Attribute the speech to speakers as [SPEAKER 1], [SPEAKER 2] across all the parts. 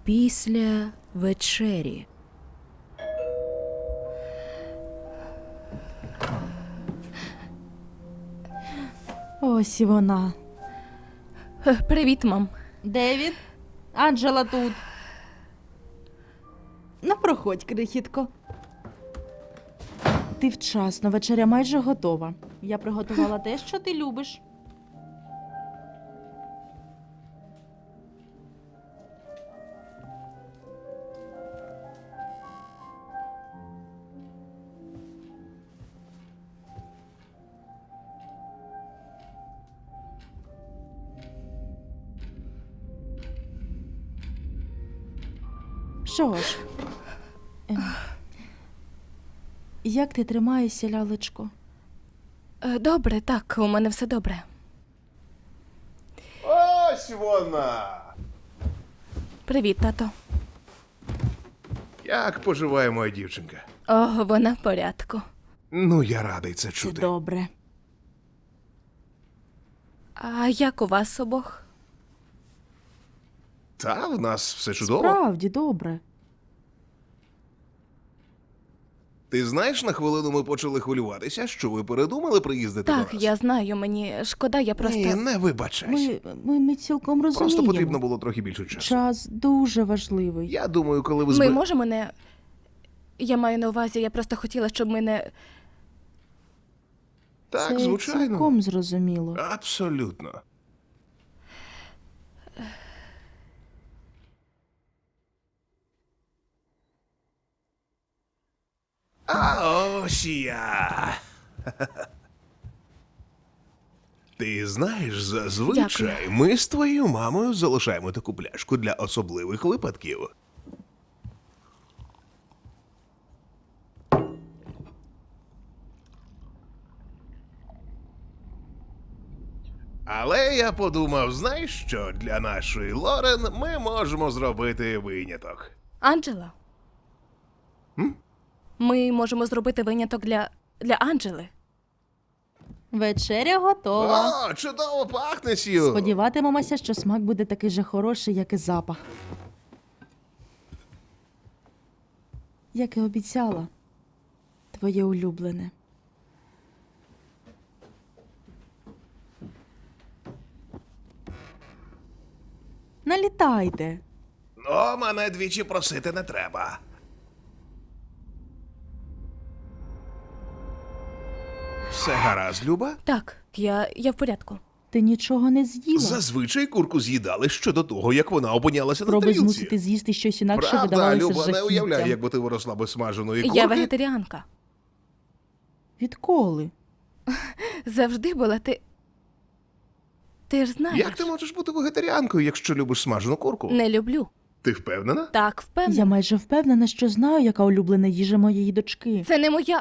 [SPEAKER 1] після вечері.
[SPEAKER 2] Ось і вона.
[SPEAKER 1] Привіт, мам.
[SPEAKER 2] Девід, Анджела тут. Ну, проходь, крихітко. Ти вчасно, вечеря майже готова. Я приготувала те, що ти любиш. Що ж, як ти тримаєшся, лялечко?
[SPEAKER 1] Добре, так, у мене все добре.
[SPEAKER 3] Ось вона!
[SPEAKER 1] Привіт, тато.
[SPEAKER 3] Як поживає моя дівчинка?
[SPEAKER 1] О, вона в порядку.
[SPEAKER 3] Ну, я радий це
[SPEAKER 2] Це
[SPEAKER 3] чути.
[SPEAKER 2] добре.
[SPEAKER 1] А як у вас обох?
[SPEAKER 3] Та, в нас все чудово.
[SPEAKER 2] Справді добре.
[SPEAKER 3] Ти знаєш, на хвилину ми почали хвилюватися, що ви передумали приїздити
[SPEAKER 1] Так,
[SPEAKER 3] до нас?
[SPEAKER 1] я знаю, мені шкода, я просто...
[SPEAKER 3] Ні, не вибачайся.
[SPEAKER 2] Ми цілком розуміємо.
[SPEAKER 3] Просто потрібно було трохи більше часу.
[SPEAKER 2] Час дуже важливий.
[SPEAKER 3] Я думаю, коли ви
[SPEAKER 1] Ми можемо не... Я маю на увазі, я просто хотіла, щоб ми не...
[SPEAKER 3] Так,
[SPEAKER 2] Це
[SPEAKER 3] звичайно.
[SPEAKER 2] цілком зрозуміло.
[SPEAKER 3] Абсолютно. А ось і я. Ти знаєш, зазвичай ми з твоєю мамою залишаємо таку пляшку для особливих випадків. Але я подумав, знаєш що, для нашої Лорен ми можемо зробити виняток.
[SPEAKER 1] Анджела? Ми можемо зробити виняток для Анджели.
[SPEAKER 2] Вечеря готова.
[SPEAKER 3] О, чудово пахне, Сью!
[SPEAKER 2] Сподіватимемося, що смак буде такий же хороший, як і запах. Як і обіцяла. Твоє улюблене. Налітайте.
[SPEAKER 3] Ну, мене двічі просити не треба. Все гаразд, Люба?
[SPEAKER 1] Так, я в порядку.
[SPEAKER 2] Ти нічого не з'їла.
[SPEAKER 3] Зазвичай курку з'їдали ще до того, як вона опинялася на
[SPEAKER 2] Спроби
[SPEAKER 3] тарілці.
[SPEAKER 2] змусити з'їсти щось інакше
[SPEAKER 3] Правда,
[SPEAKER 2] видавалося
[SPEAKER 3] Люба, не
[SPEAKER 2] жахіттям.
[SPEAKER 3] уявляю, якби ти виросла без смаженої курки.
[SPEAKER 1] Я вегетаріанка.
[SPEAKER 2] Відколи?
[SPEAKER 1] Завжди була ти... Ти ж знаєш.
[SPEAKER 3] Як ти можеш бути вегетаріанкою, якщо любиш смажену курку?
[SPEAKER 1] Не люблю.
[SPEAKER 3] Ти впевнена?
[SPEAKER 1] Так, впевнена.
[SPEAKER 2] Я майже впевнена, що знаю, яка улюблена їжа моєї дочки.
[SPEAKER 1] Це не моя...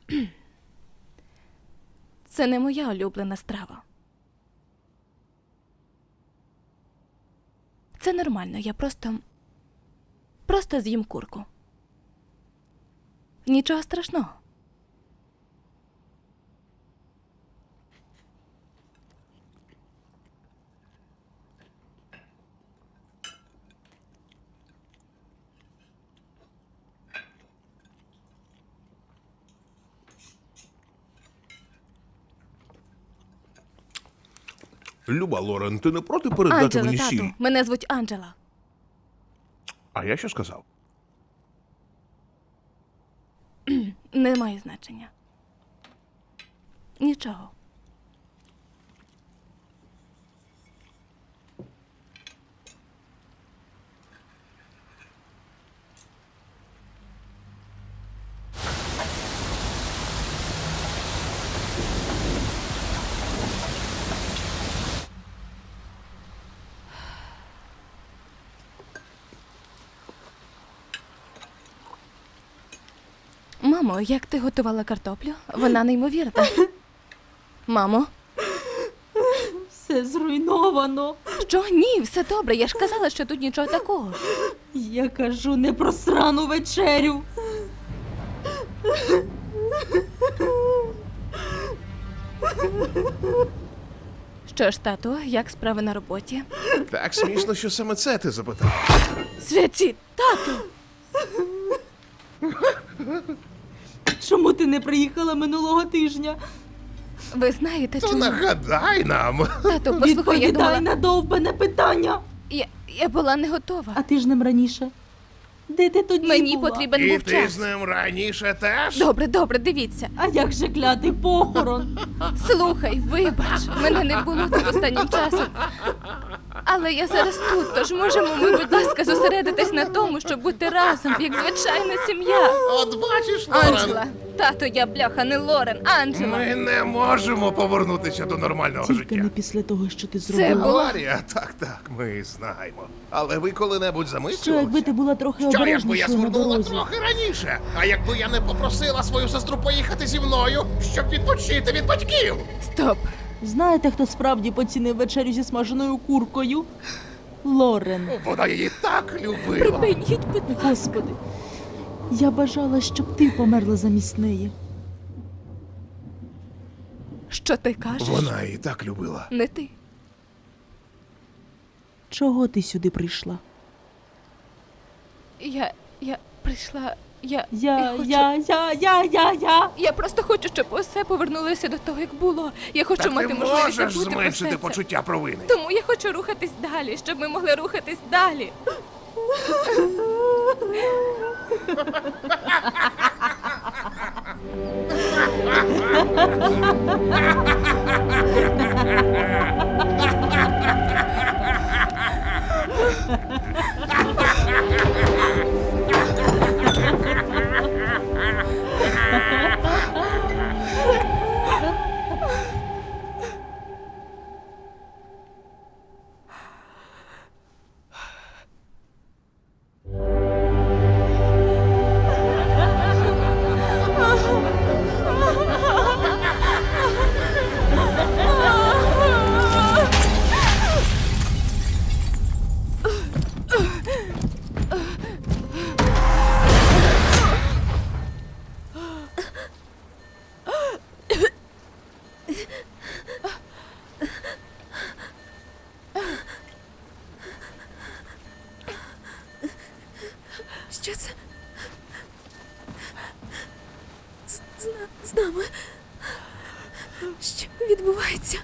[SPEAKER 1] Це не моя улюблена страва. Це нормально, я просто з'їм курку. Нічого страшного.
[SPEAKER 3] Люба, Лорен, ти не проти передати
[SPEAKER 1] Анджела,
[SPEAKER 3] мені сіль?
[SPEAKER 1] тату, мене звуть Анджела.
[SPEAKER 3] А я що сказав?
[SPEAKER 1] Не має значення. Нічого. Мамо, як ти готувала картоплю? Вона неймовірна. Мамо?
[SPEAKER 2] Все зруйновано.
[SPEAKER 1] Що? Ні, все добре. Я ж казала, що тут нічого такого.
[SPEAKER 2] Я кажу не про срану вечерю.
[SPEAKER 1] Що ж, тату, як справи на роботі?
[SPEAKER 3] Так смішно, що саме це ти запитав.
[SPEAKER 1] Святі, тату!
[SPEAKER 2] Чому ти не приїхала минулого тижня?
[SPEAKER 1] Ви знаєте,
[SPEAKER 3] То
[SPEAKER 1] чому?
[SPEAKER 3] нагадай нам.
[SPEAKER 1] Тату, послухай, я
[SPEAKER 2] Відповідай
[SPEAKER 1] думала...
[SPEAKER 2] на довбане питання.
[SPEAKER 1] Я була не готова.
[SPEAKER 2] А ти ж ним раніше. Де ти тоді
[SPEAKER 1] Мені
[SPEAKER 2] була?
[SPEAKER 1] потрібен
[SPEAKER 3] І
[SPEAKER 1] був
[SPEAKER 3] ти
[SPEAKER 1] час.
[SPEAKER 3] з ним раніше теж?
[SPEAKER 1] Добре, дивіться.
[SPEAKER 2] А як же клятий похорон?
[SPEAKER 1] Слухай, вибач, мене не було тут останнім часом. Але я зараз тут, тож можемо ми, будь ласка, зосередитись на тому, щоб бути разом, як звичайна сім'я.
[SPEAKER 3] От бачиш, Лорен,
[SPEAKER 1] Анджела, тато, я бляха, не Лорен, Анджела.
[SPEAKER 3] ми не можемо повернутися до нормального
[SPEAKER 2] Тільки
[SPEAKER 3] життя.
[SPEAKER 2] не після того, що ти
[SPEAKER 1] Це
[SPEAKER 2] зробила.
[SPEAKER 1] було...
[SPEAKER 3] Аварія, так, ми знаємо. Але ви коли-небудь
[SPEAKER 2] Що якби
[SPEAKER 3] замислювалися?
[SPEAKER 2] ти була трохи
[SPEAKER 3] Що якби я
[SPEAKER 2] обережнішою на
[SPEAKER 3] звернула
[SPEAKER 2] дорозі?
[SPEAKER 3] трохи раніше? А якби я не попросила свою сестру поїхати зі мною, щоб відпочити від батьків?
[SPEAKER 1] Стоп.
[SPEAKER 2] Знаєте, хто справді поцінив вечерю зі смаженою куркою? Лорен.
[SPEAKER 3] Вона її так любила.
[SPEAKER 1] Припиніть, будь ласка.
[SPEAKER 2] Господи, я бажала, щоб ти померла замість неї.
[SPEAKER 1] Що ти кажеш?
[SPEAKER 3] Вона її так любила.
[SPEAKER 1] Не ти.
[SPEAKER 2] Чого ти сюди прийшла?
[SPEAKER 1] Я прийшла... Я
[SPEAKER 2] Я.
[SPEAKER 1] просто хочу, щоб усе повернулося до того, як було. Я хочу
[SPEAKER 3] Так
[SPEAKER 1] мати
[SPEAKER 3] ти
[SPEAKER 1] можливість
[SPEAKER 3] можеш
[SPEAKER 1] забути про все
[SPEAKER 3] зменшити
[SPEAKER 1] це.
[SPEAKER 3] почуття провини.
[SPEAKER 1] Тому я хочу рухатись далі, щоб ми могли рухатись далі.
[SPEAKER 4] Що це? З нами? Що відбувається?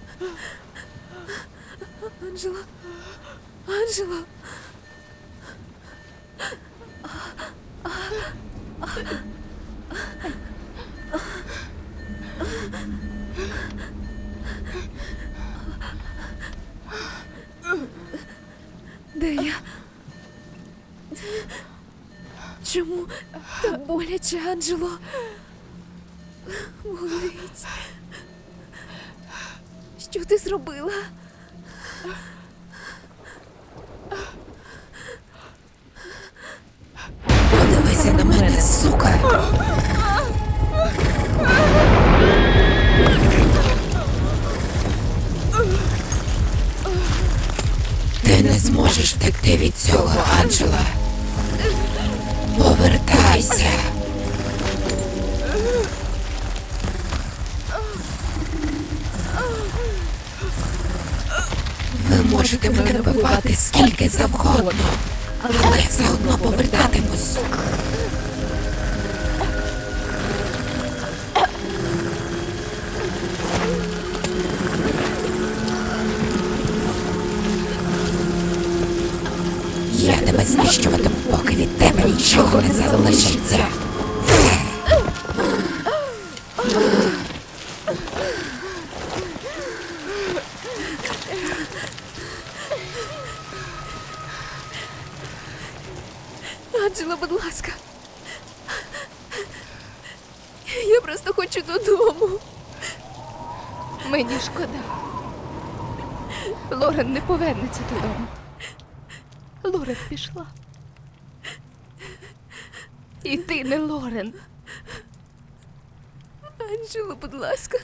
[SPEAKER 4] Анджела? Анджела? Де я? Чому так боляче, Анджело? Болить. Що ти зробила?
[SPEAKER 5] Подивися на мене, сука. Ти не зможеш втекти від цього, Анджела. Повертайся. Ви можете мене вбивати скільки завгодно, але я все одно повертатимусь. Я тебе знищуватиму, поки від тебе нічого не залишиться.
[SPEAKER 4] Анджела, будь ласка. Я просто хочу додому.
[SPEAKER 1] Мені шкода. Лорен не повернеться додому. Лорен пішла. І ти не Лорен.
[SPEAKER 4] Анджела, будь ласка.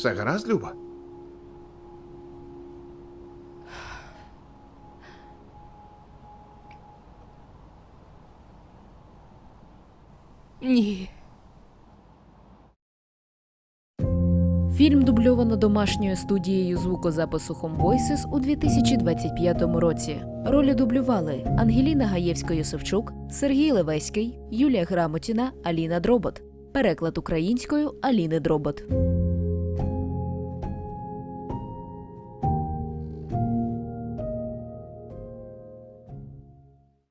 [SPEAKER 3] Все гаразд, Люба?
[SPEAKER 1] Ні.
[SPEAKER 6] Фільм дубльовано домашньою студією звукозапису Home Voices у 2025 році. Ролі дублювали Ангеліна Гаєвська-Йосифчук, Сергій Левеський, Юлія Грамотіна, Аліна Дробот. Переклад українською Аліни Дробот.